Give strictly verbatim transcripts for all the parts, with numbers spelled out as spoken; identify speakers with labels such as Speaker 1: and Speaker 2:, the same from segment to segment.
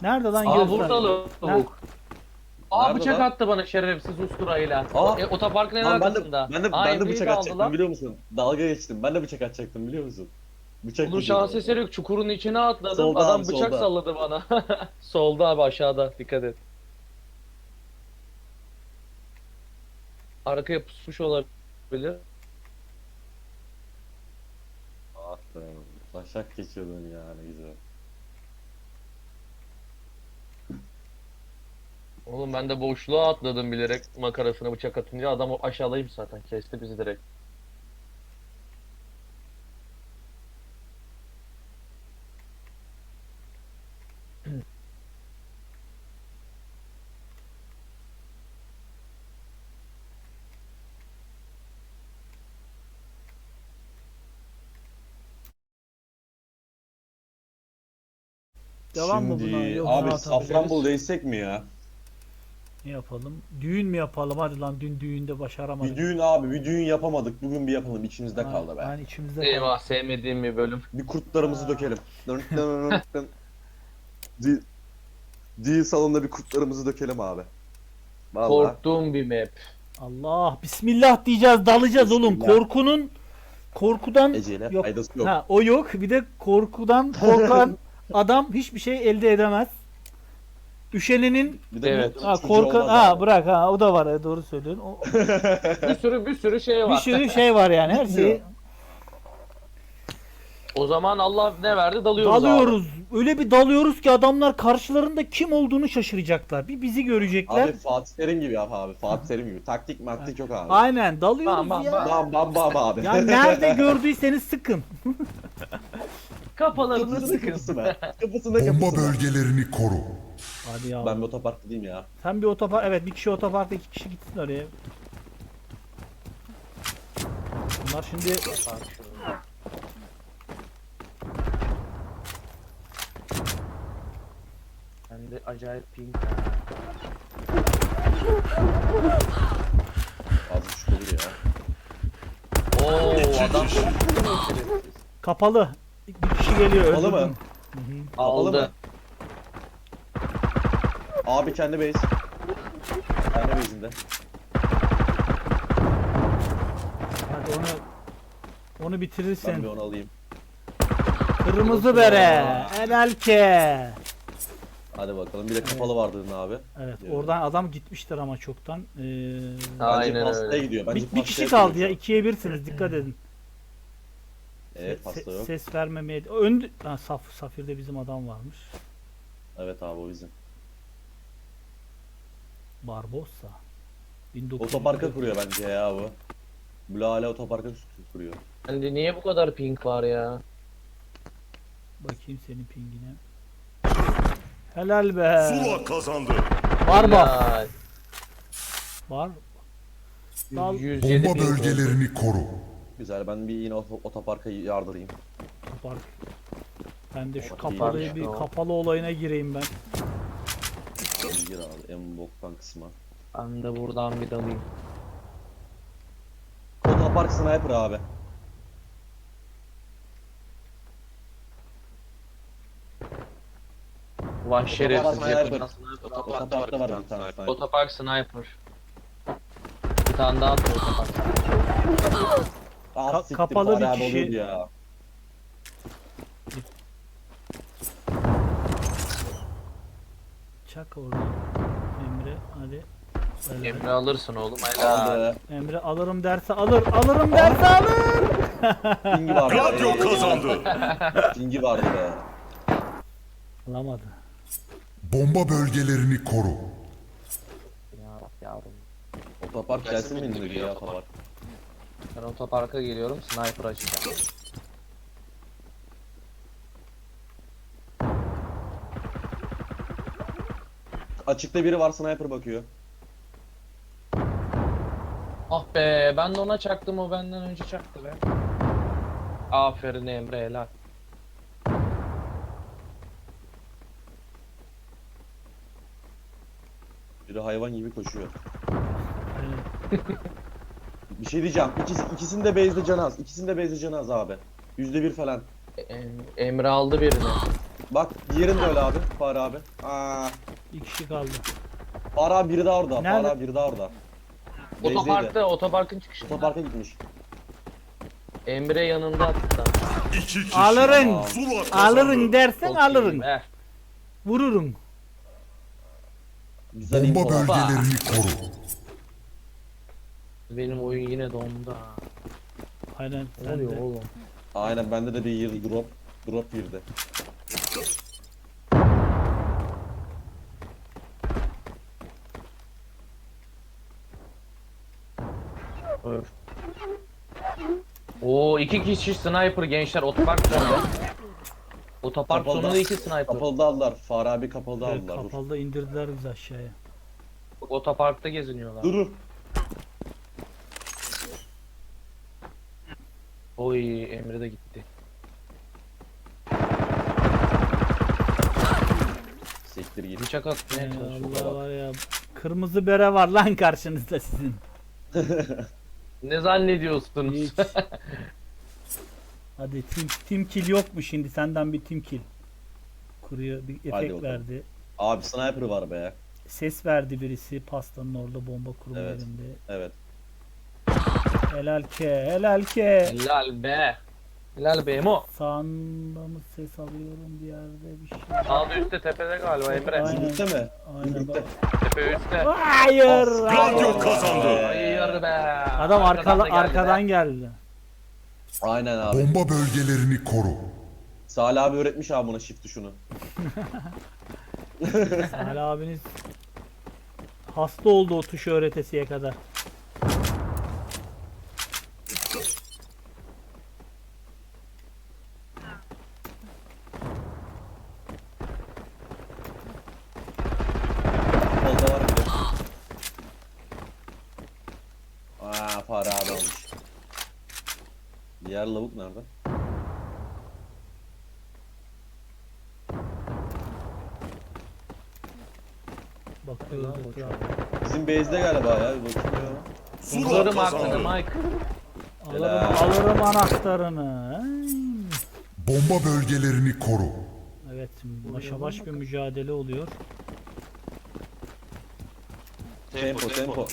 Speaker 1: Nerede lan
Speaker 2: Aa
Speaker 1: göster.
Speaker 2: burada lavuk. Aa
Speaker 3: Nerede
Speaker 2: bıçak
Speaker 3: lan?
Speaker 2: attı bana şerefsiz usturayla.
Speaker 3: Aa.
Speaker 2: E, otoparkın en
Speaker 3: Lan ben de
Speaker 2: arkasında.
Speaker 3: ben de
Speaker 2: Aa,
Speaker 3: ben de
Speaker 2: Emre'yi
Speaker 3: bıçak
Speaker 2: de aldı
Speaker 3: atacaktım
Speaker 2: lan.
Speaker 3: biliyor musun? Dalga geçtim. Ben de bıçak atacaktım biliyor musun? Bıçak
Speaker 2: Bunun
Speaker 3: yiyeceğim
Speaker 2: şans
Speaker 3: orada.
Speaker 2: eseri yok. Çukurun içine atladım.
Speaker 3: Solda
Speaker 2: Adam
Speaker 3: abi,
Speaker 2: bıçak
Speaker 3: solda.
Speaker 2: salladı bana. Solda abi aşağıda. Dikkat et. Arkaya pusmuş olabilir.
Speaker 3: Ah be. Taşak geçiyordun ya ne güzel.
Speaker 2: Oğlum ben de boşluğa atladım bilerek makarasına bıçak atınca adam o aşağıdaymış zaten. Kesti bizi direkt.
Speaker 1: Devam mı
Speaker 3: Şimdi
Speaker 1: buna? Yoksa
Speaker 3: abi
Speaker 1: atabiliriz.
Speaker 3: Safranbolu değsek mi ya?
Speaker 1: Ne yapalım? Düğün mü yapalım? Hadi lan dün düğünde başaramadık.
Speaker 3: Bir düğün abi bir düğün yapamadık. Bugün bir yapalım içimizde kaldı be.
Speaker 1: Yani içimizde
Speaker 2: Eyvah sevmediğim bir bölüm.
Speaker 3: Bir kurtlarımızı dökelim. Dın dın dın dın. Düğün, düğün salonunda bir kurtlarımızı dökelim abi. Vallahi.
Speaker 2: Korktuğum bir map.
Speaker 1: Allah bismillah diyeceğiz, dalacağız oğlum.
Speaker 3: Bismillah.
Speaker 1: Korkunun korkudan
Speaker 3: Eceyle
Speaker 1: yok.
Speaker 3: faydası yok.
Speaker 1: Ha, o yok. Bir de korkudan korkan adam hiçbir şey elde edemez. Üşenenin
Speaker 3: Bir de
Speaker 2: Evet.
Speaker 3: bir
Speaker 1: ha
Speaker 3: çocuğu
Speaker 1: korkan
Speaker 3: olmaz
Speaker 1: ha
Speaker 3: abi.
Speaker 1: bırak ha o da var ha, doğru söylüyorsun. O,
Speaker 2: Bir sürü bir sürü şey
Speaker 1: bir
Speaker 2: var.
Speaker 1: sürü şey var yani her şeyi
Speaker 2: O zaman Allah ne verdi dalıyoruz,
Speaker 1: dalıyoruz. Öyle bir dalıyoruz ki adamlar karşılarında kim olduğunu şaşıracaklar. Bir bizi görecekler.
Speaker 3: Abi Fatih Terim gibi yap abi. Fatih Terim gibi. Taktik maktik yok abi.
Speaker 1: Aynen dalıyoruz
Speaker 2: Bam, bam,
Speaker 1: ya.
Speaker 2: bam.
Speaker 3: Bam bam bam abi.
Speaker 1: Ya nerede gördüyseniz sıkın.
Speaker 2: abi. Kafalarını
Speaker 3: Kapısını
Speaker 2: sıkın.
Speaker 3: kapısına. Kapısına
Speaker 4: Bomba
Speaker 3: kapısına.
Speaker 4: bölgelerini koru.
Speaker 1: Hadi ya.
Speaker 3: Ben bir otopark gideyim ya.
Speaker 1: Sen bir otopark, evet bir kişi otoparkta, iki kişi gitsin oraya. Bunlar şimdi
Speaker 2: Bende acayip ping.
Speaker 3: Az buçuk olur ya.
Speaker 2: Oo adam
Speaker 1: kapalı. Bir kişi geliyor.
Speaker 3: Kapalı
Speaker 1: öldürdüm.
Speaker 3: mı?
Speaker 2: aldı.
Speaker 3: mı? Abi kendi base. Kendi base'inde.
Speaker 1: Hadi onu onu
Speaker 3: Ben
Speaker 1: bitirirsen.
Speaker 3: bir onu alayım.
Speaker 1: Kırmızı bere. Helal ke.
Speaker 3: Hadi bakalım. Bir de kapalı vardı abi.
Speaker 1: Evet,
Speaker 3: Evet.
Speaker 1: oradan adam gitmiştir ama çoktan. Ee,
Speaker 3: Bence
Speaker 2: Aynen
Speaker 3: pastaya
Speaker 2: öyle.
Speaker 3: gidiyor. Bence
Speaker 1: bir, bir
Speaker 3: pastaya
Speaker 1: kişi
Speaker 3: gidiyor
Speaker 1: kaldı
Speaker 3: şu
Speaker 1: ya.
Speaker 3: an.
Speaker 1: ikiye birsiniz. Dikkat edin.
Speaker 3: Evet
Speaker 1: Se-
Speaker 3: pasta yok.
Speaker 1: Ses vermemeye. Ön ha, Saf Safir'de bizim adam varmış.
Speaker 3: Evet abi o bizim.
Speaker 1: Barbossa. bin dokuz yüz
Speaker 3: Otoparka kuruyor bence ya bu. Bula hala otoparka kuruyor.
Speaker 2: Bende niye bu kadar ping var ya?
Speaker 1: Bakayım senin pingine. Helal be.
Speaker 4: Zula kazandı.
Speaker 1: Var bak.
Speaker 2: Ya,
Speaker 1: Var. Dal-
Speaker 2: yüz yedi
Speaker 4: Bomba
Speaker 2: ping var.
Speaker 4: bölgelerini koru.
Speaker 3: Güzel ben bir yine ot- otoparka yardırayım.
Speaker 1: Otopark. Ben de şu
Speaker 3: Otopark
Speaker 1: kapalı
Speaker 2: iyiymiş,
Speaker 1: bir
Speaker 2: tamam.
Speaker 1: kapalı olayına gireyim ben.
Speaker 3: Abi gir abi en boktan kısma.
Speaker 2: Ben de buradan bir dalayım.
Speaker 3: Otopark sniper abi.
Speaker 2: Vay şerefsiz.
Speaker 3: sniper.
Speaker 2: Yakından
Speaker 3: Otoparkta var bir tane sniper.
Speaker 2: Otopark sniper. Bir tane daha attı otopark.
Speaker 3: Ah,
Speaker 1: Ka-
Speaker 3: siktir,
Speaker 1: kapalı
Speaker 3: fare
Speaker 1: bir
Speaker 3: abi
Speaker 1: kişi.
Speaker 3: oluyordu ya.
Speaker 1: Çak orada. Emre hadi. Helal.
Speaker 2: Emre alırsın oğlum. Helal.
Speaker 3: Aldı.
Speaker 1: Emre alırım derse alır. Alırım derse alır.
Speaker 3: Pingi vardı.
Speaker 4: Gladio kazandı.
Speaker 3: Pingi vardı be.
Speaker 1: Alamadı.
Speaker 4: Bomba bölgelerini koru.
Speaker 2: Ya yavrum.
Speaker 3: Otopark gelsin mi indir ya otopark?
Speaker 2: Ben otoparka geliyorum. Sniper açacağım.
Speaker 3: Açıkta biri var sniper bakıyor.
Speaker 2: Ah be ben de ona çaktım, o benden önce çaktı be. Aferin Emre, helal.
Speaker 3: Biri hayvan gibi koşuyor.
Speaker 1: Evet.
Speaker 3: Bir şey diyeceğim. İkisi, ikisinin de base'de canı az. İkisinin de base'de canı az abi. Yüzde bir falan.
Speaker 2: E- Emre aldı birini.
Speaker 3: Bak diğerin de öyle abi. Fare abi. Aa,
Speaker 1: Bir kişi kaldı.
Speaker 3: Fare abi biri daha orada.
Speaker 1: Nerede?
Speaker 3: Fare abi biri daha orada. Base'deydi.
Speaker 2: Otoparkta, otoparkın çıkışında.
Speaker 3: Otoparka gitmiş.
Speaker 2: Emre yanında hatta.
Speaker 4: İki kişi.
Speaker 1: Alırın.
Speaker 4: Zula kazandı.
Speaker 1: Alırın dersen
Speaker 2: Çok
Speaker 1: alırın.
Speaker 2: iyi be.
Speaker 1: Vururun.
Speaker 3: Güzel
Speaker 4: Bomba
Speaker 3: info var.
Speaker 4: bölgelerini koru.
Speaker 2: Benim oyun yine dondu ha.
Speaker 1: Aynen
Speaker 2: Ne
Speaker 1: sen
Speaker 2: oluyor
Speaker 1: de.
Speaker 2: oğlum?
Speaker 3: Aynen bende de bir yıl drop. Drop girdi.
Speaker 2: Öf. Oo iki kişi sniper gençler otopark sonunda. Otopark
Speaker 3: Kapalıda-
Speaker 2: sonunda iki sniper.
Speaker 3: Kapalıda aldılar. Fare abi kapalıda
Speaker 1: Evet,
Speaker 3: aldılar. Dur.
Speaker 1: kapalıda indirdiler bizi aşağıya.
Speaker 2: Otoparkta geziniyorlar.
Speaker 3: Dur.
Speaker 2: Oy Emre de gitti.
Speaker 3: Siktir git.
Speaker 2: Bıçak atmaya
Speaker 1: Ey
Speaker 2: çalışıyor.
Speaker 1: Allah var ya. Kırmızı bere var lan karşınızda sizin.
Speaker 2: Ne zannediyorsunuz?
Speaker 1: Hiç. Hadi team, team kill yok mu şimdi? Senden bir team kill. Kuruyor bir efekt
Speaker 3: bakalım.
Speaker 1: verdi.
Speaker 3: Abi sniper var be.
Speaker 1: Ses verdi birisi pastanın orada bomba kurma
Speaker 3: Evet.
Speaker 1: yerinde.
Speaker 3: Evet.
Speaker 1: Helal ke, helal ke.
Speaker 2: Helal be. Helal be Emo.
Speaker 1: Sağında mı ses alıyorum bir yerde bir şey.
Speaker 2: Sağda üstte tepede galiba Emre.
Speaker 1: Aynen.
Speaker 3: Zümrüt'te mi?
Speaker 1: Aynen.
Speaker 3: Zümrüt'te.
Speaker 2: Tepe üstte.
Speaker 1: Hayır.
Speaker 4: Gladio
Speaker 1: hayır.
Speaker 4: kazandı.
Speaker 2: Hayır be.
Speaker 1: Adam arkala,
Speaker 2: da geldi
Speaker 1: arkadan
Speaker 2: be.
Speaker 1: geldi.
Speaker 3: Aynen abi.
Speaker 4: Bomba bölgelerini koru.
Speaker 3: Salih abi öğretmiş abi buna shift tuşunu.
Speaker 1: Hala abiniz hasta oldu o tuşu öğretesiye kadar.
Speaker 3: Kolda var bir de. Aa fare abi almış. Diğer lavuk nerede?
Speaker 1: Bakıyoruz etrafa.
Speaker 3: Bizim base'de galiba ya. Bir bakayım ya.
Speaker 4: Zula
Speaker 2: Kullarım aklını
Speaker 4: kazandı.
Speaker 2: Mike.
Speaker 1: Alırım,
Speaker 3: Helal.
Speaker 1: alırım anahtarını. Ay.
Speaker 4: Bomba bölgelerini koru.
Speaker 1: Evet, başa baş bir mücadele oluyor.
Speaker 3: Tempo tempo.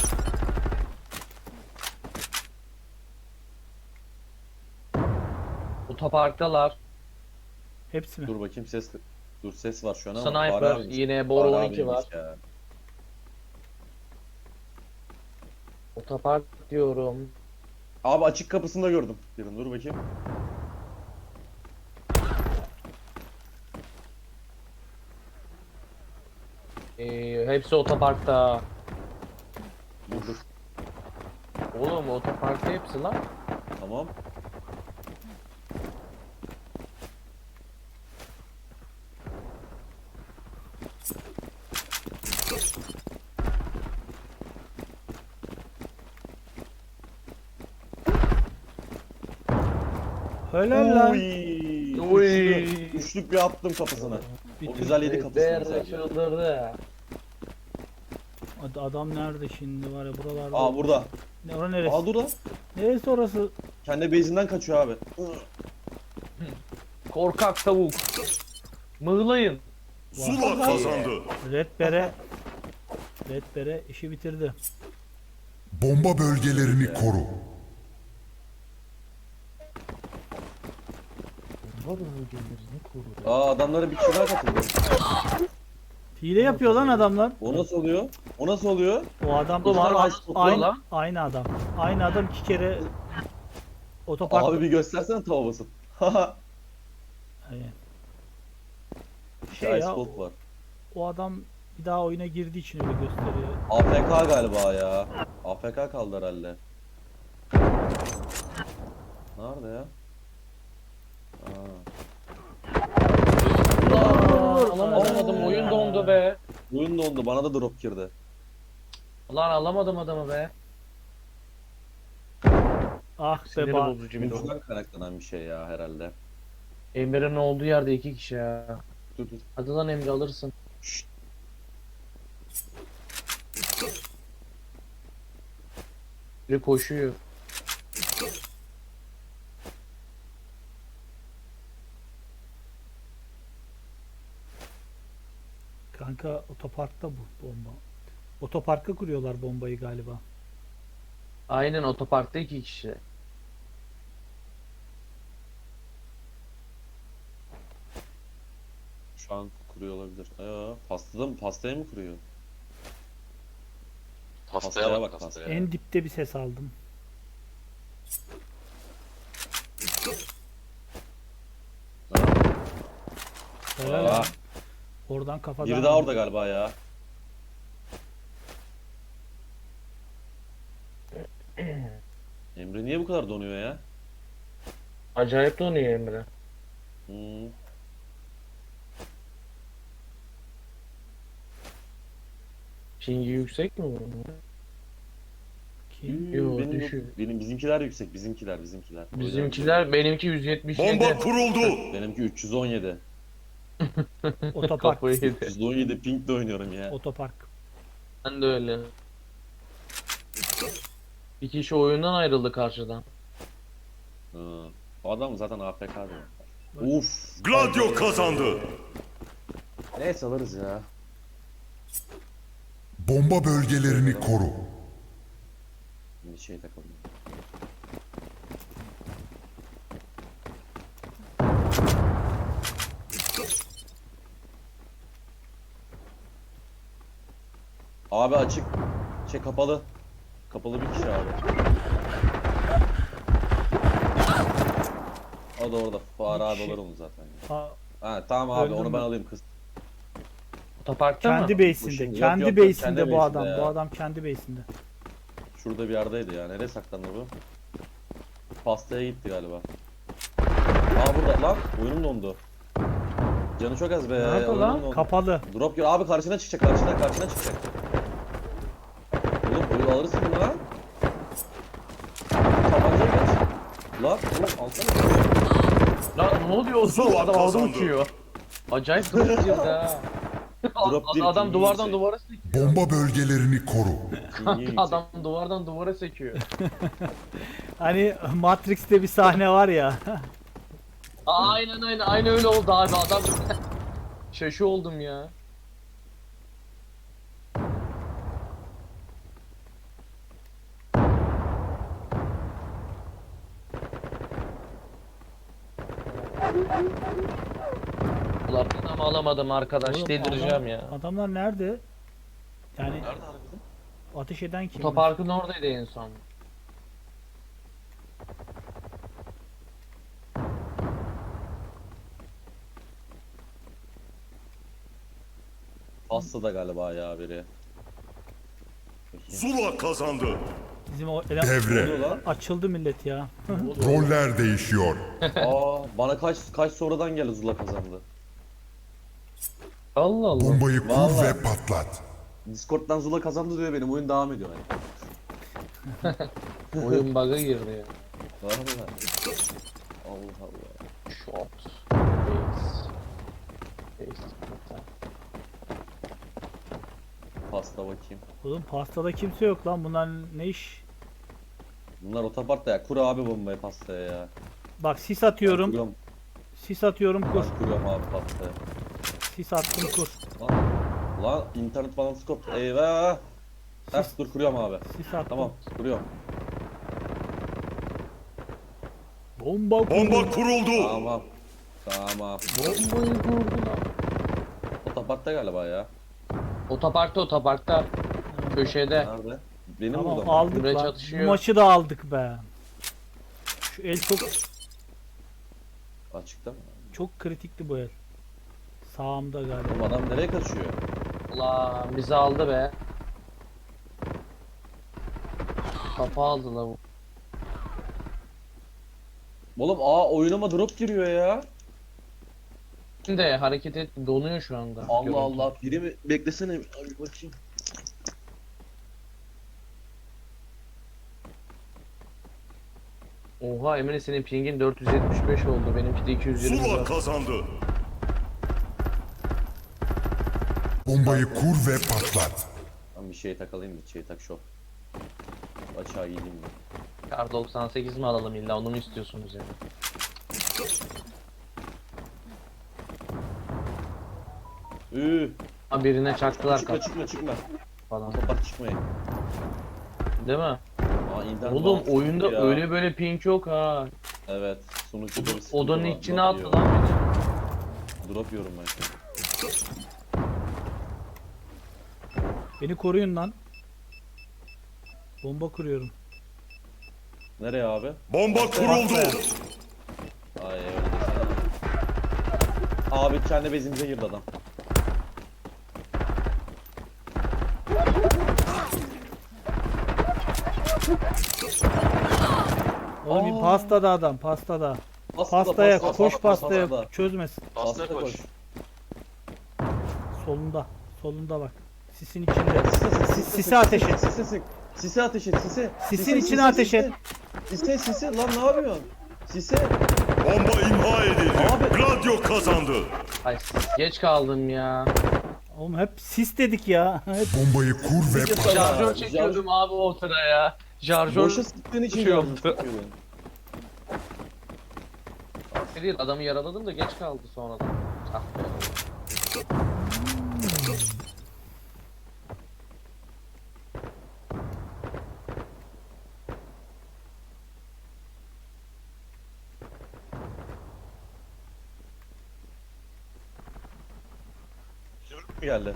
Speaker 2: Otoparktalar.
Speaker 1: Hepsi mi?
Speaker 3: Dur bakayım ses. Dur ses var şu an ama.
Speaker 2: Sniper
Speaker 3: Fare abiymiş.
Speaker 2: yine boru
Speaker 3: Fare
Speaker 2: on iki var.
Speaker 3: abiymiş ya.
Speaker 2: Otopark diyorum.
Speaker 3: Abi açık kapısında gördüm. Birini dur bakayım.
Speaker 2: Ee, hepsi otoparkta.
Speaker 3: Dur dur.
Speaker 2: Oğlum otoparkta hepsi lan.
Speaker 3: Tamam.
Speaker 1: Helal lan.
Speaker 3: Uy.
Speaker 2: Uy.
Speaker 3: Üçlü, üçlük bir attım kapısına.
Speaker 1: Bir
Speaker 3: O
Speaker 1: tür-
Speaker 3: güzel yedi kapısını
Speaker 2: Değerli
Speaker 3: sadece.
Speaker 2: çıldırdı.
Speaker 1: Ad- Adam nerede şimdi var ya buralarda.
Speaker 3: Aa burada.
Speaker 1: Ne, ora neresi?
Speaker 3: Aa dur lan.
Speaker 1: Neresi orası?
Speaker 3: Kendi base'inden kaçıyor abi.
Speaker 2: Korkak tavuk. Mığlayın.
Speaker 4: Zula kazandı.
Speaker 1: Red Bere. Red Bere işi bitirdi.
Speaker 4: Bomba bölgelerini koru.
Speaker 3: Aa adamlara bir kişi daha katıldı.
Speaker 1: Hile yapıyor lan adamlar.
Speaker 3: O nasıl oluyor? O nasıl oluyor?
Speaker 1: O adam
Speaker 2: Ulan
Speaker 1: aynı,
Speaker 2: nasıl oluyor
Speaker 1: aynı,
Speaker 2: lan?
Speaker 1: aynı adam. Aynı adam iki kere otopark.
Speaker 3: Abi bir göstersene tava basıp. Haha.
Speaker 1: Aynen.
Speaker 3: Şey
Speaker 1: Şey
Speaker 3: Ice
Speaker 1: ya,
Speaker 3: Cold var.
Speaker 1: o adam bir daha oyuna girdiği için öyle gösteriyor.
Speaker 3: A F K galiba ya. A F K kaldı herhalde. Nerede ya? Aa.
Speaker 2: Aa, alamadım oyun dondu be.
Speaker 3: Oyun dondu bana da drop girdi.
Speaker 2: Lan alamadım adamı be.
Speaker 1: Ah be
Speaker 2: Siniri
Speaker 1: ba.
Speaker 2: bozucu bir durum.
Speaker 3: Oyuncudan kaynaklanan bir şey ya herhalde.
Speaker 2: Emre'nin olduğu yerde iki kişi ya.
Speaker 3: Dur dur.
Speaker 2: Hadi lan Emre alırsın.
Speaker 3: Şşt.
Speaker 2: Biri koşuyor.
Speaker 1: Kanka otoparkta bu bomba. Otoparka kuruyorlar bombayı galiba.
Speaker 2: Aynen otoparkta iki kişi.
Speaker 3: Şu an kuruyor olabilir. Aa, pastada mı? Pastaya mı kuruyor?
Speaker 5: Pastaya bak
Speaker 3: bak
Speaker 5: pastaya.
Speaker 1: En dipte bir ses aldım. Helal
Speaker 3: Aa,
Speaker 1: lan. Oradan kafadan.
Speaker 3: biri daha orada galiba ya. Emre niye bu kadar donuyor ya?
Speaker 2: Acayip donuyor Emre.
Speaker 3: Hmm.
Speaker 2: Pingi yüksek mi bunun?
Speaker 1: Kim?
Speaker 2: Yo,
Speaker 3: benim, yok.
Speaker 2: düşük.
Speaker 3: benim bizimkiler yüksek. Bizimkiler, bizimkiler. O yüzden
Speaker 2: Bizimkiler benimki yüz yetmiş yedi.
Speaker 4: Bomba kuruldu.
Speaker 3: benimki üç yüz on yedi.
Speaker 1: Otopark.
Speaker 2: Kafayı yedi.
Speaker 3: üç yüz on yedi ping de oynuyorum ya.
Speaker 1: Otopark.
Speaker 2: Ben de öyle. Bir kişi oyundan ayrıldı karşıdan.
Speaker 3: Ha. O adam zaten A F K diyor. Uf.
Speaker 4: Gladio kazandı.
Speaker 3: Neyse alırız ya.
Speaker 4: Bomba bölgelerini koru.
Speaker 3: Bir şey takalım. Abi açık. Şey kapalı. Kapalı bir kişi abi. O da orada. Fare
Speaker 1: Bir
Speaker 3: abi
Speaker 1: kişi.
Speaker 3: olur onu zaten. Ya.
Speaker 1: Aa,
Speaker 3: Ha tamam abi
Speaker 1: Öldün
Speaker 3: onu
Speaker 1: mü?
Speaker 3: ben alayım kız.
Speaker 2: Otoparkta mı?
Speaker 1: kendi
Speaker 3: Bu
Speaker 1: base'inde.
Speaker 3: şimdi- yok,
Speaker 1: Kendi
Speaker 3: yok, yok,
Speaker 1: base'inde
Speaker 3: kendi
Speaker 1: bu
Speaker 3: base'inde
Speaker 1: adam.
Speaker 3: ya.
Speaker 1: Bu adam kendi base'inde.
Speaker 3: Şurada bir yerdeydi ya. Nereye saklandı bu? Pastaya gitti galiba. Aa burada lan. Oyunum dondu. Canı çok az be.
Speaker 1: Nerede
Speaker 3: oyunum
Speaker 1: lan?
Speaker 3: dondu.
Speaker 1: Kapalı.
Speaker 3: Drop gör. Abi karşına çıkacak. Karşına karşına çıkacak. Oğlum oyunu alırsın bunu lan. Tabancayı kaç. Lan oğlum alsana.
Speaker 2: Lan ne oluyor oğlum?
Speaker 4: Zula
Speaker 2: Adam havada
Speaker 4: kazandı.
Speaker 2: uçuyor. Acayip drop girdi ha.
Speaker 3: Drop
Speaker 2: Ad-
Speaker 3: değil,
Speaker 2: adam
Speaker 3: pingi
Speaker 2: duvardan
Speaker 3: yüksek.
Speaker 2: duvara sekiyor.
Speaker 4: Bomba bölgelerini koru.
Speaker 3: Pingi yüksek.
Speaker 2: Adam duvardan duvara sekiyor.
Speaker 1: Hani Matrix'te bir sahne var ya.
Speaker 2: Aa, aynen aynen aynen öyle oldu abi adam. Şaşı oldum ya. Ulan adam alamadım arkadaş
Speaker 1: Oğlum,
Speaker 2: delireceğim
Speaker 1: adam-
Speaker 2: ya.
Speaker 1: Adamlar nerede? Yani
Speaker 3: Nerede harbiden?
Speaker 1: ateş eden kim?
Speaker 2: Otoparkın oradaydı en son.
Speaker 3: Pasta da galiba ya biri. Bakayım.
Speaker 4: Zula kazandı.
Speaker 1: Bizim o ele-
Speaker 3: Ne oluyor
Speaker 4: Devre.
Speaker 3: lan?
Speaker 1: açıldı millet ya.
Speaker 4: Roller değişiyor.
Speaker 3: Aa bana kaç kaç sonradan geldi Zula kazandı.
Speaker 2: Allah Allah.
Speaker 4: Bombayı kur
Speaker 3: Vallahi.
Speaker 4: ve patlat.
Speaker 3: Discord'dan Zula kazandı diyor benim oyun devam ediyor yani.
Speaker 2: Oyun bug'a girdi ya.
Speaker 3: Vallahi. Allah Allah.
Speaker 2: Shot. Base. Base.
Speaker 3: Pasta bakayım.
Speaker 1: Oğlum pastada kimse yok lan. Bunlar ne iş?
Speaker 3: Bunlar otoparkta ya. Kur abi bombayı pastaya ya.
Speaker 1: Bak sis
Speaker 3: Ben
Speaker 1: atıyorum.
Speaker 3: kuruyorum,
Speaker 1: Sis atıyorum kur.
Speaker 3: ben kuruyorum abi pastaya.
Speaker 1: Sis attım kur.
Speaker 3: Lan, lan internet balansı koptu. Eyvah. Heh, dur kuruyorum abi.
Speaker 1: Sis attım.
Speaker 3: Tamam kuruyorum.
Speaker 1: Bomba kur.
Speaker 4: Bomba kuruldu.
Speaker 3: Tamam. Tamam.
Speaker 2: Bombayı kurdular.
Speaker 3: Otoparkta galiba ya.
Speaker 2: Otoparkta otoparkta. Köşede.
Speaker 3: Nerede? Benim
Speaker 1: Tamam
Speaker 3: burada mı?
Speaker 1: aldık
Speaker 2: Emre
Speaker 1: lan.
Speaker 2: çatışıyor.
Speaker 1: Bu maçı da aldık be. Şu el çok
Speaker 3: Açıkta mı?
Speaker 1: çok kritikti bu el. Sağımda galiba.
Speaker 3: Oğlum adam nereye kaçıyor?
Speaker 2: Ulan bizi aldı be. Kafa aldı la bu.
Speaker 3: Oğlum aa oyunuma drop giriyor ya.
Speaker 2: Şimdi hareket et donuyor şu anda.
Speaker 3: Allah
Speaker 2: Görüntü.
Speaker 3: Allah. Biri mi? Beklesene. Abi bakayım.
Speaker 2: Oha Emre senin pingin dört yüz yetmiş beş oldu. Benimki de iki yüz yirmi
Speaker 4: Zula
Speaker 2: dört.
Speaker 4: kazandı. Bombayı kur ve patlat.
Speaker 3: Ben bir şey takalayım bir şey tak şov. Açığa gideyim mi?
Speaker 2: Kar doksan sekiz mi alalım illa onu mu istiyorsunuz ya?
Speaker 3: Üh.
Speaker 2: Ha, birine çaktılar
Speaker 3: Çıkma
Speaker 2: kapı
Speaker 3: çıkma çıkma.
Speaker 2: falan.
Speaker 3: Kapat çıkmayın.
Speaker 2: Değil mi?
Speaker 3: Aa, internet
Speaker 2: Oğlum
Speaker 3: bağlantısı
Speaker 2: oyunda
Speaker 3: ya.
Speaker 2: öyle böyle ping yok ha.
Speaker 3: Evet. Sunucuda bir sıkıntı
Speaker 2: Odanın
Speaker 3: var.
Speaker 2: içine
Speaker 3: Drop
Speaker 2: attı
Speaker 3: yiyor.
Speaker 2: lan beni.
Speaker 3: Drop yiyorum ben şu an.
Speaker 1: Beni koruyun lan. Bomba kuruyorum.
Speaker 3: Nereye abi?
Speaker 4: Bomba kuruldu.
Speaker 3: Ay öyle desene. Abi kendi bezimize girdi adam.
Speaker 1: Oğlum
Speaker 3: Aa.
Speaker 1: pastada adam, pastada.
Speaker 3: Pastada,
Speaker 1: Pastaya
Speaker 3: pasta,
Speaker 1: koş,
Speaker 3: pasta,
Speaker 1: pastaya
Speaker 3: pastada.
Speaker 1: çözmesin.
Speaker 3: Pasta koş.
Speaker 1: Solunda, solunda bak. Sisin içinde.
Speaker 3: Sise,
Speaker 1: Sis- Sisi ateş et.
Speaker 3: Sise sık. Sise ateş et sise.
Speaker 1: Sisin
Speaker 3: Sise,
Speaker 1: içine
Speaker 3: sise,
Speaker 1: ateş
Speaker 3: sise.
Speaker 1: et.
Speaker 3: Sise sise lan ne yapıyorsun? Sise.
Speaker 4: Bomba imha edildi.
Speaker 3: Abi.
Speaker 4: Gladio kazandı.
Speaker 2: Ay geç kaldım ya.
Speaker 1: Oğlum hep sis dedik ya. Hep
Speaker 4: Bombayı kur ve patlat.
Speaker 2: Şarjör
Speaker 3: Şarj-
Speaker 2: çekiyordum abi o sıraya. Şarjör
Speaker 3: Boşa sıktığın için
Speaker 2: şey
Speaker 3: yanlış
Speaker 2: oldu.
Speaker 3: sıkıyordun.
Speaker 2: değil, adamı yaraladım da geç kaldı sonradan. Ah be.
Speaker 3: Çocuk mu geldi?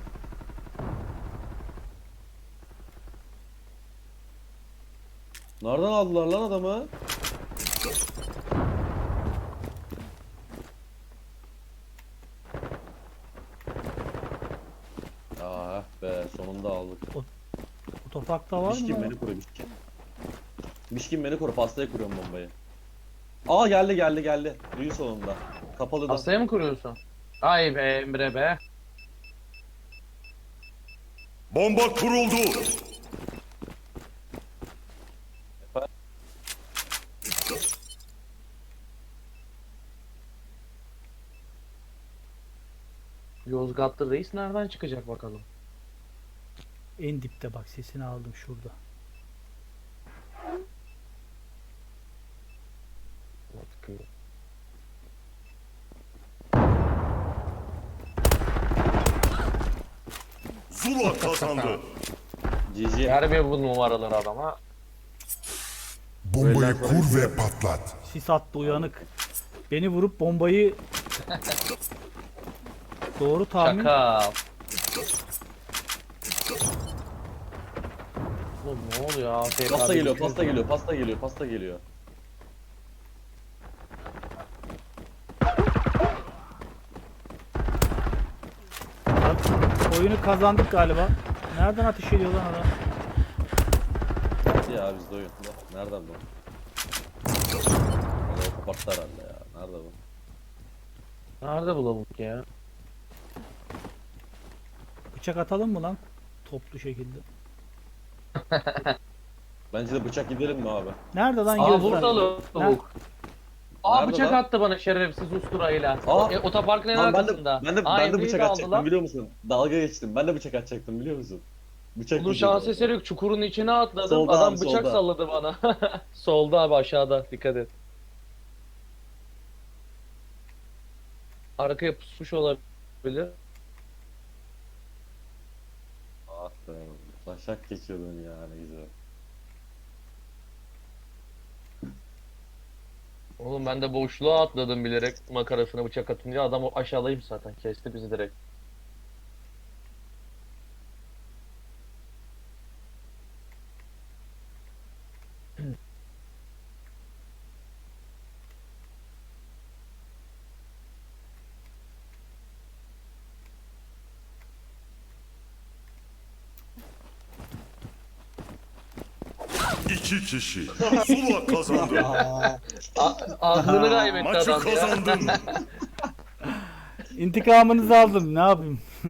Speaker 3: Nereden aldılar lan adamı? Ah be sonunda aldık.
Speaker 1: otoparkta var mı?
Speaker 3: Mişkin
Speaker 1: lan?
Speaker 3: beni koru Mişkin. Mişkin beni koru pastaya kuruyorum bombayı. Aa geldi geldi geldi. Düğün sonunda. Kapalı da.
Speaker 2: Hastaya mı kuruyorsun? Ay be Emre be.
Speaker 4: Bomba kuruldu.
Speaker 2: Yozgatlı reis nereden çıkacak bakalım.
Speaker 1: En dipte bak, sesini aldım şurada.
Speaker 4: Zula kazandı.
Speaker 3: Cici.
Speaker 2: Ver bir bu numaraları adama.
Speaker 4: Bombayı kur ve patlat.
Speaker 1: Sis attı uyanık. Beni vurup bombayı doğru tahmin.
Speaker 2: Şaka. Oğlum ne oluyor A F K
Speaker 3: Pasta geliyor,
Speaker 2: bir-
Speaker 3: pasta geliyor, pasta geliyor, pasta geliyor.
Speaker 1: Oyunu kazandık galiba. Nereden ateş ediyor lan adam?
Speaker 3: Geldi ya bizde oyun. Nereden bu? Vallahi kapattı herhalde ya. Nerede bu?
Speaker 2: Nerede bu lavuk ya?
Speaker 1: Bıçak atalım mı lan? Toplu şekilde.
Speaker 3: Bence de bıçak gidelim mi abi?
Speaker 1: Nerede lan
Speaker 2: Aa
Speaker 1: gözler?
Speaker 2: burada lavuk. Aa
Speaker 3: Nerede
Speaker 2: bıçak
Speaker 3: lan?
Speaker 2: attı bana şerefsiz usturayla.
Speaker 3: Aa.
Speaker 2: E, otoparkın en
Speaker 3: Lan ben de,
Speaker 2: arkasında.
Speaker 3: ben de,
Speaker 2: Aa,
Speaker 3: ben de
Speaker 2: Emre'yi
Speaker 3: bıçak
Speaker 2: de aldı
Speaker 3: atacaktım
Speaker 2: lan.
Speaker 3: biliyor musun? Dalga geçtim. Ben de bıçak atacaktım biliyor musun? Bıçak
Speaker 2: Bunun
Speaker 3: gideceğim
Speaker 2: şans
Speaker 3: orada.
Speaker 2: eseri yok. Çukurun içine atladım.
Speaker 3: Solda
Speaker 2: Adam
Speaker 3: abi,
Speaker 2: bıçak
Speaker 3: solda.
Speaker 2: salladı bana. Solda abi aşağıda. Dikkat et. Arkaya pusmuş olabilir.
Speaker 3: Ah be. Taşak geçiyordun ya ne güzel.
Speaker 2: Oğlum ben de boşluğa atladım bilerek makarasına bıçak atınca adam o aşağıdayım zaten. Kesti bizi direkt.
Speaker 4: İki kişi. Zula kazandı.
Speaker 2: A- aklını kaybetti
Speaker 4: Maçı
Speaker 2: adam ya.
Speaker 4: kazandın.
Speaker 1: İntikamınızı aldım. Ne yapayım?